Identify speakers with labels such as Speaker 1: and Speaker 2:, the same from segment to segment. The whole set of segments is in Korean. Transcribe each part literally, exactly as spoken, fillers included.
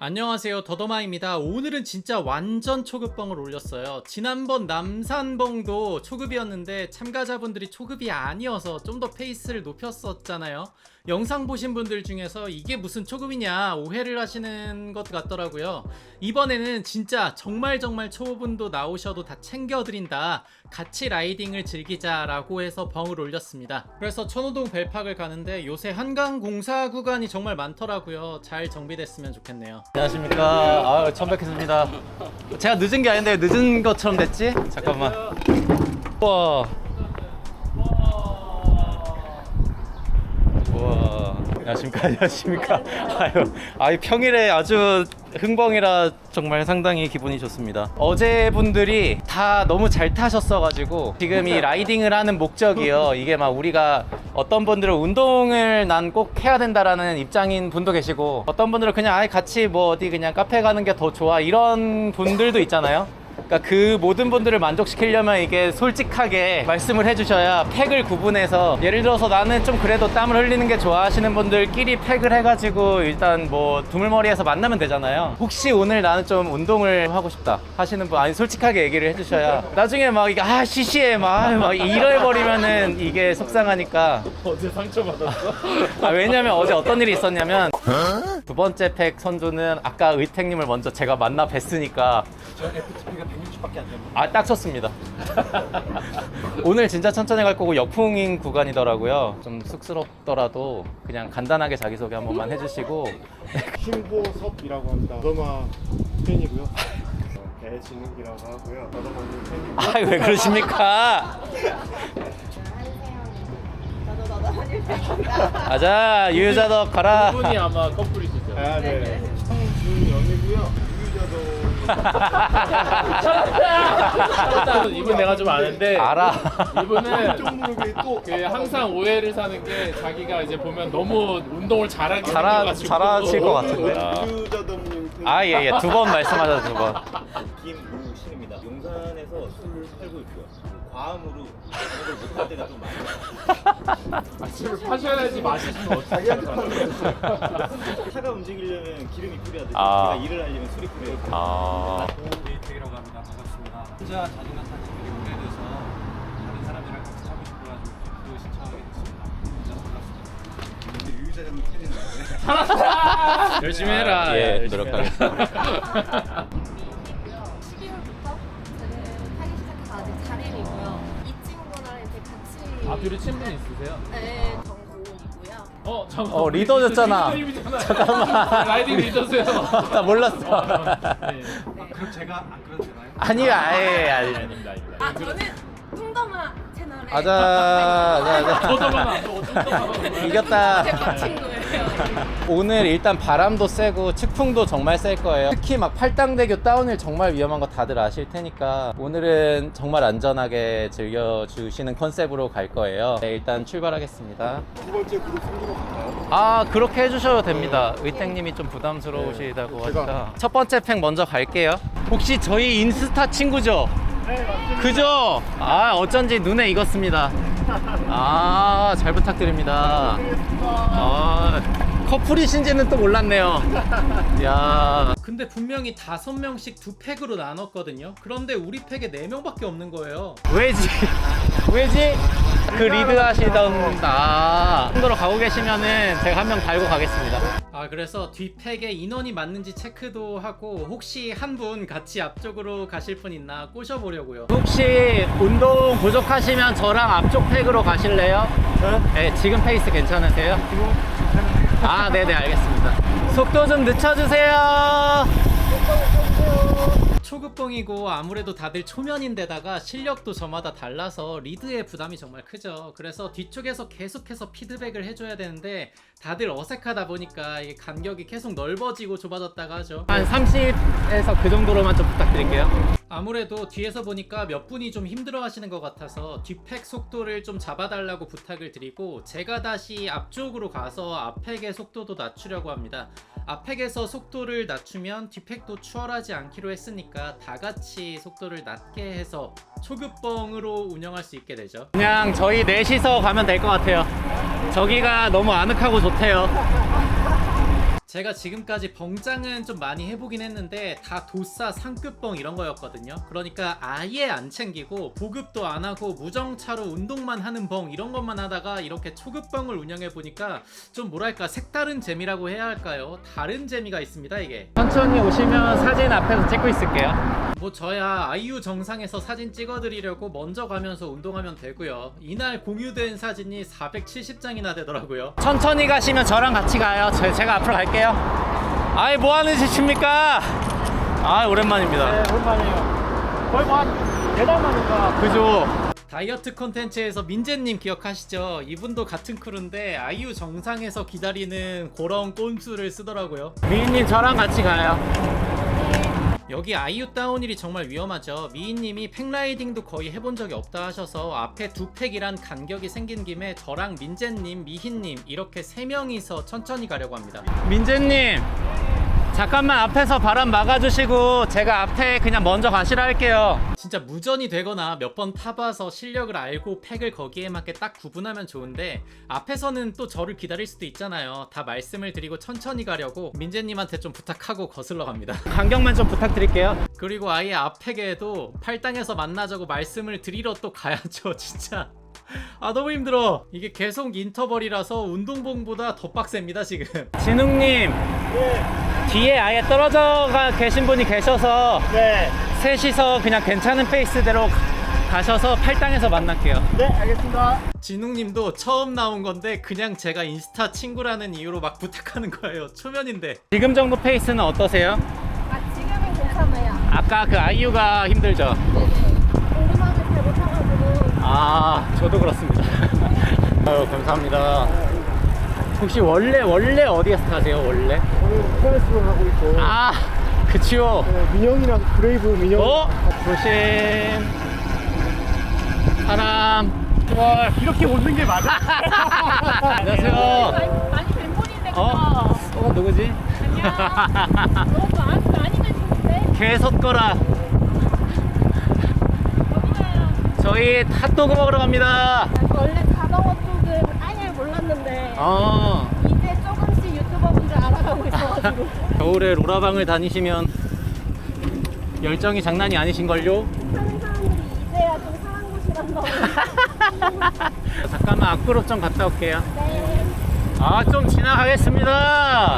Speaker 1: 안녕하세요, 더더마입니다. 오늘은 진짜 완전 초급벙을 올렸어요. 지난번 남산벙도 초급이었는데 참가자분들이 초급이 아니어서 좀 더 페이스를 높였었잖아요. 영상 보신 분들 중에서 이게 무슨 초급이냐 오해를 하시는 것 같더라고요. 이번에는 진짜 정말 정말 초보분도 나오셔도 다 챙겨드린다, 같이 라이딩을 즐기자라고 해서 벙을 올렸습니다. 그래서 천호동 벨팍을 가는데 요새 한강 공사 구간이 정말 많더라고요. 잘 정비됐으면 좋겠네요. 안녕하십니까. 아, 처음 뵙겠습니다. 제가 늦은 게 아닌데 늦은 것처럼 됐지? 잠깐만. 우와. 우와. 안녕하십니까. 안녕하십니까. 아유, 아유, 평일에 아주 흥벙이라 정말 상당히 기분이 좋습니다. 어제 분들이 다 너무 잘 타셨어가지고 지금 이 라이딩을 하는 목적이요, 이게 막 우리가 어떤 분들은 운동을 난 꼭 해야 된다라는 입장인 분도 계시고, 어떤 분들은 그냥 아예 같이 뭐 어디 그냥 카페 가는 게 더 좋아 이런 분들도 있잖아요. 그러니까 그 모든 분들을 만족시키려면 이게 솔직하게 말씀을 해주셔야 팩을 구분해서, 예를 들어서 나는 좀 그래도 땀을 흘리는 게 좋아 하시는 분들끼리 팩을 해가지고 일단 뭐 두물머리에서 만나면 되잖아요. 혹시 오늘 나는 좀 운동을 하고 싶다 하시는 분, 아니 솔직하게 얘기를 해주셔야 나중에 막 이게 아 시시해 막, 막 이래버리면은 이게 속상하니까.
Speaker 2: 어제 상처받았어?
Speaker 1: 아, 왜냐면 어제 어떤 일이 있었냐면 두 번째 팩 선조는 아까 의택님을 먼저 제가 만나 뵀으니까
Speaker 2: 저 에프티피가 백육십밖에 안 됩니다.
Speaker 1: 아, 딱 쳤습니다. 오늘 진짜 천천히 갈 거고 역풍인 구간이더라고요. 좀 쑥스럽더라도 그냥 간단하게 자기소개 한 번만 해주시고.
Speaker 3: 신보섭이라고 합니다. 더더마 팬이고요. 배진욱이라고 하고요. 더더마님 팬이고요.
Speaker 1: 아, 왜 그러십니까? 가자, 유유자덕 가라.
Speaker 2: 분이 아마 커플이시죠?
Speaker 3: 아, 네. 성준영이고요. 유유자도.
Speaker 2: 이분 내가 좀 아는데,
Speaker 1: 알아.
Speaker 2: 이분은
Speaker 3: 좀 모르게 또
Speaker 2: 그 항상 오해를 사는 게 자기가 이제 보면 너무 운동을 잘하게
Speaker 1: 잘하,
Speaker 2: 생겨가지고
Speaker 1: 잘하실 것 같은데.
Speaker 3: 유유자도님 팬.
Speaker 1: 아, 예, 예. 두 번 말씀하셔서 두 번.
Speaker 4: 김우신입니다. 용산에서 술을 팔고 있고요. 과음으로 작업을 못할 때가 좀 많아요.
Speaker 2: 아, 술을 파셔야지 마시면 어떡해.
Speaker 4: 차가 움직이려면 기름이 필요하듯이
Speaker 1: 아.
Speaker 4: 제가 일을 하려면 술이 필요해요.
Speaker 1: 아,
Speaker 5: 이택이라고 합니다. 반갑습니다. 혼자 자전거 탄 지 되게 오래돼서 다른 사람들이랑 같이 타고 싶어가지고 그 신청하게 됐습니다. 혼자 몰랐습니다.
Speaker 2: 열심히 해라.
Speaker 1: 예,
Speaker 2: 열심히
Speaker 1: 노력하겠습니다.
Speaker 2: 해라.
Speaker 6: 십이월부터 저는 타기 시작해서 아직 사 일이고요. 이 친구랑 이렇게 같이
Speaker 2: 아, 둘이 친분 있으세요?
Speaker 6: 네, 정국이고요.
Speaker 2: 어, 잠깐만.
Speaker 1: 어, 리더였잖아.
Speaker 2: 리더님이잖아요.
Speaker 1: 잠깐만.
Speaker 2: 라이딩 리더세요.
Speaker 1: 나 몰랐어.
Speaker 2: 네.
Speaker 5: 그럼 제가 안 그래도 되나요?
Speaker 1: 아니요, 아예, 아니.
Speaker 2: 아닙니다, 아닙니다.
Speaker 6: 아, 저는 뚱더마 채널에
Speaker 1: 아자, 아자, 아자.
Speaker 2: 저도만 안 보고 좀
Speaker 1: 이겼다.
Speaker 6: 제밥 친구예요.
Speaker 1: 오늘 일단 바람도 세고 측풍도 정말 셀 거예요. 특히 막 팔당대교 다운힐 정말 위험한 거 다들 아실 테니까 오늘은 정말 안전하게 즐겨주시는 컨셉으로 갈 거예요. 네, 일단 출발하겠습니다.
Speaker 3: 두 번째 그룹 성적으로 갈까요?
Speaker 1: 아, 그렇게 해주셔도 됩니다. 의택님이 좀 부담스러우시다고
Speaker 3: 네,
Speaker 1: 하니까. 첫 번째 팩 먼저 갈게요. 혹시 저희 인스타 친구죠?
Speaker 3: 네, 맞습니다.
Speaker 1: 그죠? 아, 어쩐지 눈에 익었습니다. 아, 잘 부탁드립니다. 아, 커플이신지는 또 몰랐네요. 야. 근데 분명히 다섯 명씩 두 팩으로 나눴거든요. 그런데 우리 팩에 네 명밖에 없는 거예요. 왜지? 왜지? 그 리드 하시던 아, 손으로 가고 계시면은 제가 한 명 달고 가겠습니다. 아, 그래서 뒷팩에 인원이 맞는지 체크도 하고, 혹시 한 분 같이 앞쪽으로 가실 분 있나 꼬셔보려고요. 혹시 운동 부족하시면 저랑 앞쪽 팩으로 가실래요? 네, 지금 페이스 괜찮으세요? 아, 네네, 알겠습니다. 속도 좀 늦춰주세요. 초급봉이고 아무래도 다들 초면인데다가 실력도 저마다 달라서 리드의 부담이 정말 크죠. 그래서 뒤쪽에서 계속해서 피드백을 해줘야 되는데 다들 어색하다 보니까 이게 간격이 계속 넓어지고 좁아졌다가 하죠. 한 삼십에서 그 정도로만 좀 부탁드릴게요. 아무래도 뒤에서 보니까 몇 분이 좀 힘들어 하시는 것 같아서 뒷팩 속도를 좀 잡아달라고 부탁을 드리고, 제가 다시 앞쪽으로 가서 앞팩의 속도도 낮추려고 합니다. 앞팩에서 속도를 낮추면 뒷팩도 추월하지 않기로 했으니까 다 같이 속도를 낮게 해서 초급벙으로 운영할 수 있게 되죠. 그냥 저희 넷이서 가면 될 것 같아요. 저기가 너무 아늑하고 좋대요. 제가 지금까지 벙짱은 좀 많이 해보긴 했는데 다 도싸 상급 벙 이런 거였거든요. 그러니까 아예 안 챙기고 보급도 안 하고 무정차로 운동만 하는 벙 이런 것만 하다가 이렇게 초급 벙을 운영해 보니까 좀 뭐랄까 색다른 재미라고 해야 할까요? 다른 재미가 있습니다 이게. 천천히 오시면 사진 앞에서 찍고 있을게요. 뭐 저야 아이유 정상에서 사진 찍어드리려고 먼저 가면서 운동하면 되고요. 이날 공유된 사진이 사백칠십 장이나 되더라고요. 천천히 가시면 저랑 같이 가요. 저, 제가 앞으로 갈게요. 아이 뭐하는 짓입니까? 아 오랜만입니다.
Speaker 5: 네, 오랜만이에요. 거의 뭐한 네 달 만인가.
Speaker 1: 그죠? 다이어트 콘텐츠에서 민재님 기억하시죠? 이분도 같은 크루인데 아이유 정상에서 기다리는 그런 꼼수를 쓰더라고요. 미인님 저랑 같이 가요. 여기 아이유 다운힐이 정말 위험하죠. 미인님이 팩라이딩도 거의 해본 적이 없다 하셔서 앞에 두 팩이란 간격이 생긴 김에 저랑 민재님, 미희님 이렇게 세 명이서 천천히 가려고 합니다. 민재님 잠깐만 앞에서 바람 막아주시고 제가 앞에 그냥 먼저 가시라 할게요. 진짜 무전이 되거나 몇 번 타봐서 실력을 알고 팩을 거기에 맞게 딱 구분하면 좋은데 앞에서는 또 저를 기다릴 수도 있잖아요. 다 말씀을 드리고 천천히 가려고 민재님한테 좀 부탁하고 거슬러 갑니다. 간격만 좀 부탁드릴게요. 그리고 아예 앞팩에도 팔당에서 만나자고 말씀을 드리러 또 가야죠. 진짜 아 너무 힘들어. 이게 계속 인터벌이라서 운동봉보다 더 빡셉니다 지금. 진웅님
Speaker 5: 네.
Speaker 1: 뒤에 아예 떨어져 가 계신 분이 계셔서
Speaker 5: 네.
Speaker 1: 셋이서 그냥 괜찮은 페이스대로 가셔서 팔당에서 만날게요.
Speaker 5: 네, 알겠습니다.
Speaker 1: 진웅님도 처음 나온 건데 그냥 제가 인스타 친구라는 이유로 막 부탁하는 거예요. 초면인데. 지금 정도 페이스는 어떠세요?
Speaker 6: 아 지금은 괜찮아요.
Speaker 1: 아까 그 아이유가 힘들죠?
Speaker 6: 네네. 오르막을 잘 못타가지고.
Speaker 1: 아 저도 그렇습니다. 아유 감사합니다. 혹시 원래 원래 어디에서 타세요 원래?
Speaker 5: 오늘 스트레스로 하고 있고.
Speaker 1: 아 그치요.
Speaker 5: 네, 민영이랑 브레이브 민영.
Speaker 1: 어? 조심. 사람.
Speaker 5: 와, 이렇게 웃는 게 맞아?
Speaker 1: 안녕하세요.
Speaker 6: 많이 많이 뵌 분인데 그거.
Speaker 1: 어? 어 누구지?
Speaker 6: 안녕. 너무 많이 많이 뵀는데.
Speaker 1: 개섰거라.
Speaker 6: 어디 가요?
Speaker 1: 저희 핫도그 먹으러 갑니다.
Speaker 6: 원래 자동어 쪽은 아예 몰랐는데
Speaker 1: 어.
Speaker 6: 이제 조금씩 유튜버분들 알아가고 있어가지고.
Speaker 1: 겨울에 로라방을 다니시면 열정이 장난이 아니신걸요?
Speaker 6: 하는 사람들이 이제야 좀 사는 곳이란다고.
Speaker 1: 잠깐만 앞그룹 좀 갔다 올게요.
Speaker 6: 네.
Speaker 1: 아 좀 지나가겠습니다.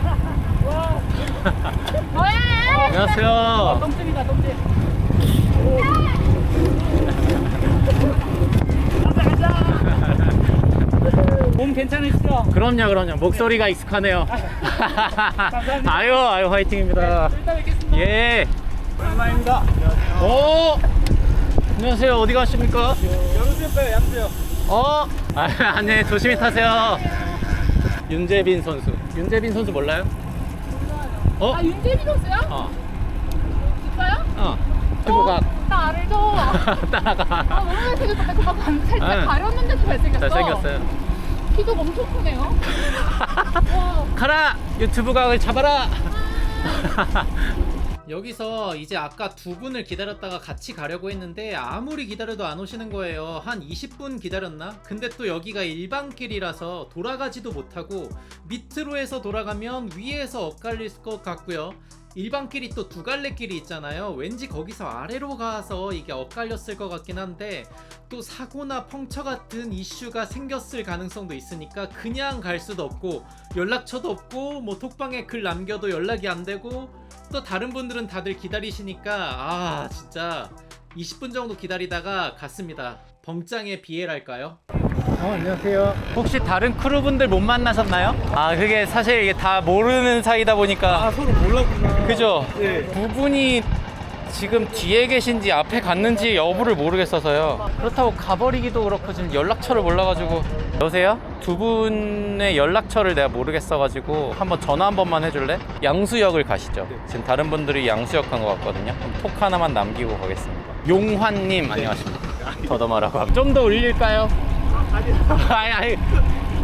Speaker 6: 뭐야?
Speaker 1: 안녕하세요.
Speaker 5: 똥집이다, 똥집. 몸 괜찮으시죠?
Speaker 1: 그럼요 그럼요 목소리가 익숙하네요. 아유 아유 화이팅입니다.
Speaker 5: 일단 뵙겠습니다.
Speaker 1: 예.
Speaker 5: 오랜만입니다.
Speaker 1: 오 안녕하세요 어디 가십니까?
Speaker 5: 양수요 빼요, 양수요.
Speaker 1: 어? 아, 아니 조심히 타세요. 윤재빈 선수. 윤재빈 선수 몰라요? 어?
Speaker 6: 아 윤재빈 선수요?
Speaker 1: 어.
Speaker 6: 진짜요?
Speaker 1: 어. 피부가
Speaker 6: 나 알죠.
Speaker 1: 따라가.
Speaker 6: 아 너무 잘생겼다. 그거 간 살짝
Speaker 1: 응.
Speaker 6: 가렸는데도 잘생겼어.
Speaker 1: 잘생겼어요.
Speaker 6: 키도 엄청 크네요. 와.
Speaker 1: 가라 유튜브 각을 잡아라. 여기서 이제 아까 두 분을 기다렸다가 같이 가려고 했는데 아무리 기다려도 안 오시는 거예요. 한 이십 분 기다렸나? 근데 또 여기가 일반길이라서 돌아가지도 못하고 밑으로 해서 돌아가면 위에서 엇갈릴 것 같고요. 일반길이 또 두 갈래 길이 있잖아요. 왠지 거기서 아래로 가서 이게 엇갈렸을 것 같긴 한데 또 사고나 펑처 같은 이슈가 생겼을 가능성도 있으니까 그냥 갈 수도 없고 연락처도 없고 뭐 톡방에 글 남겨도 연락이 안 되고 또 다른 분들은 다들 기다리시니까 아 진짜 이십 분 정도 기다리다가 갔습니다. 벙짱의 비애랄까요?
Speaker 5: 어, 안녕하세요.
Speaker 1: 혹시 다른 크루분들 못 만나셨나요? 아 그게 사실 이게 다 모르는 사이다 보니까
Speaker 5: 아, 서로 몰랐구나.
Speaker 1: 그죠?
Speaker 5: 네.
Speaker 1: 두 분이 지금 뒤에 계신지 앞에 갔는지 여부를 모르겠어서요. 그렇다고 가버리기도 그렇고 지금 연락처를 몰라가지고. 여보세요? 두 분의 연락처를 내가 모르겠어가지고 한번 전화 한 번만 해줄래? 양수역을 가시죠. 지금 다른 분들이 양수역 간 것 같거든요. 그럼 톡 하나만 남기고 가겠습니다. 용환님 안녕하십니까? 더더마라고 합니다. 좀 더 올릴까요? 아니 아니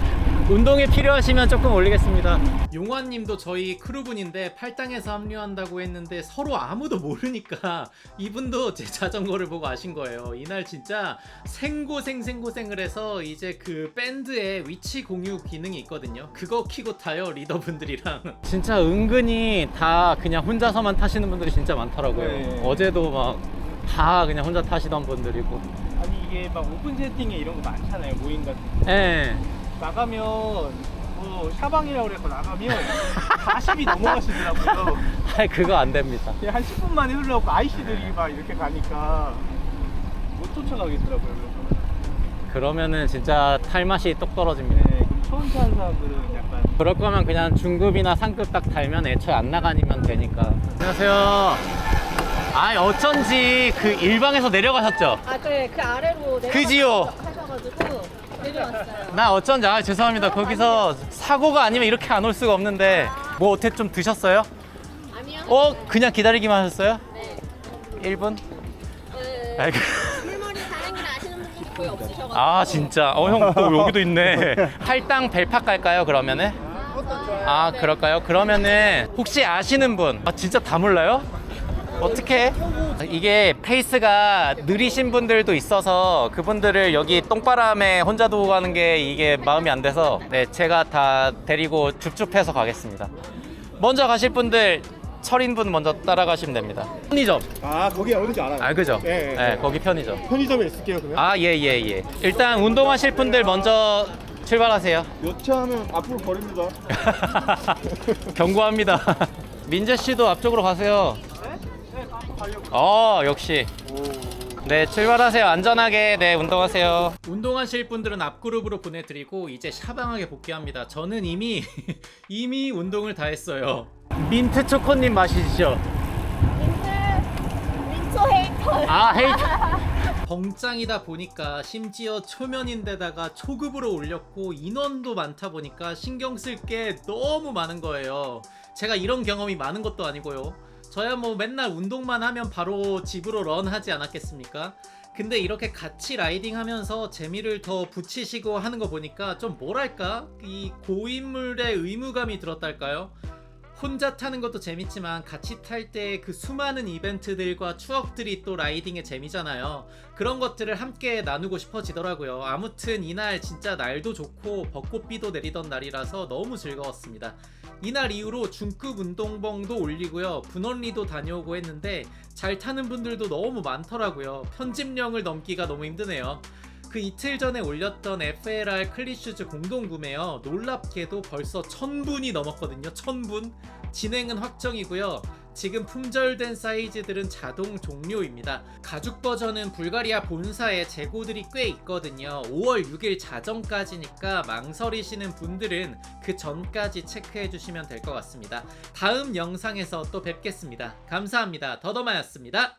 Speaker 1: 운동이 필요하시면 조금 올리겠습니다. 용환님도 저희 크루분인데 팔당에서 합류한다고 했는데 서로 아무도 모르니까 이분도 제 자전거를 보고 아신 거예요. 이날 진짜 생고생 생고생을 해서 이제 그 밴드에 위치 공유 기능이 있거든요. 그거 키고 타요, 리더분들이랑. 진짜 은근히 다 그냥 혼자서만 타시는 분들이 진짜 많더라고요.
Speaker 7: 네.
Speaker 1: 어제도 막 다 그냥 혼자 타시던 분들이고.
Speaker 7: 아니 이게 막 오픈 채팅에 이런 거 많잖아요. 모임 같은 거.
Speaker 1: 예.
Speaker 7: 나가면 뭐 샤방이라고 그래서 나가면 사십이 넘어가시더라고요.
Speaker 1: 아이, 그거 안 됩니다.
Speaker 7: 그냥 한 십 분 만에 흘러가고 아이씨들이 막 이렇게 가니까 못 쫓아가겠더라고요. 그래서
Speaker 1: 그러면은 진짜 탈 맛이 똑 떨어집니다.
Speaker 7: 네, 그럼 처음 타는 사람들은 약간
Speaker 1: 그럴 거면 그냥 중급이나 상급 딱 달면 애초에 안 나가니면 되니까. 안녕하세요. 아, 어쩐지 그 일방에서 내려가셨죠?
Speaker 6: 아 그래 그 아래로
Speaker 1: 그지요?
Speaker 6: 하셔가지고 내려왔어요.
Speaker 1: 나 어쩐지, 아 죄송합니다. 거기서 사고가 아니면 이렇게 안 올 수가 없는데 뭐 어떻게 좀 드셨어요?
Speaker 6: 아니요.
Speaker 1: 어? 그냥 기다리기만 하셨어요?
Speaker 6: 네.
Speaker 1: 일 분?
Speaker 6: 그
Speaker 1: 아이고.
Speaker 6: 물머리 다행이라 아시는 분들이 거의 없으셔가지고.
Speaker 1: 아 진짜? 어 형 또 여기도 있네. 할당 벨팍 갈까요 그러면은? 아 그럴까요? 그러면은 혹시 아시는 분? 아 진짜 다 몰라요? 어떻게? 이게 페이스가 느리신 분들도 있어서 그분들을 여기 똥바람에 혼자 두고 가는 게 이게 마음이 안 돼서 네 제가 다 데리고 줍줍해서 가겠습니다. 먼저 가실 분들 철인분 먼저 따라가시면 됩니다. 편의점.
Speaker 3: 아 거기 어딘지 알아요.
Speaker 1: 아 그죠?
Speaker 3: 예, 예.
Speaker 1: 네 거기 편의점.
Speaker 3: 편의점에 있을게요 그러면.
Speaker 1: 아 예 예 예. 일단 운동하실 분들 먼저 출발하세요.
Speaker 3: 여차하면 앞으로 버립니다.
Speaker 1: 경고합니다. 민재 씨도 앞쪽으로 가세요. 어 역시. 네 출발하세요. 안전하게 네 운동하세요. 운동하실 분들은 앞그룹으로 보내드리고 이제 샤방하게 복귀합니다. 저는 이미 이미 운동을 다 했어요. 민트 초코님 마시죠.
Speaker 6: 민트 민초 헤이터.
Speaker 1: 아 헤이트. 벙짱이다 보니까 심지어 초면인데다가 초급으로 올렸고 인원도 많다 보니까 신경 쓸 게 너무 많은 거예요. 제가 이런 경험이 많은 것도 아니고요. 저야 뭐 맨날 운동만 하면 바로 집으로 런하지 않았겠습니까? 근데 이렇게 같이 라이딩 하면서 재미를 더 붙이시고 하는 거 보니까 좀 뭐랄까? 이 고인물의 의무감이 들었달까요? 혼자 타는 것도 재밌지만 같이 탈 때 그 수많은 이벤트들과 추억들이 또 라이딩의 재미잖아요. 그런 것들을 함께 나누고 싶어지더라고요. 아무튼 이날 진짜 날도 좋고 벚꽃비도 내리던 날이라서 너무 즐거웠습니다. 이날 이후로 중급 운동봉도 올리고요. 분원리도 다녀오고 했는데 잘 타는 분들도 너무 많더라고요. 편집령을 넘기가 너무 힘드네요. 그 이틀 전에 올렸던 에프엘알 클리슈즈 공동구매요. 놀랍게도 벌써 천 분이 넘었거든요. 천 분. 진행은 확정이고요. 지금 품절된 사이즈들은 자동 종료입니다. 가죽 버전은 불가리아 본사에 재고들이 꽤 있거든요. 오월 육일 자정까지니까 망설이시는 분들은 그 전까지 체크해 주시면 될 것 같습니다. 다음 영상에서 또 뵙겠습니다. 감사합니다. 더더마였습니다.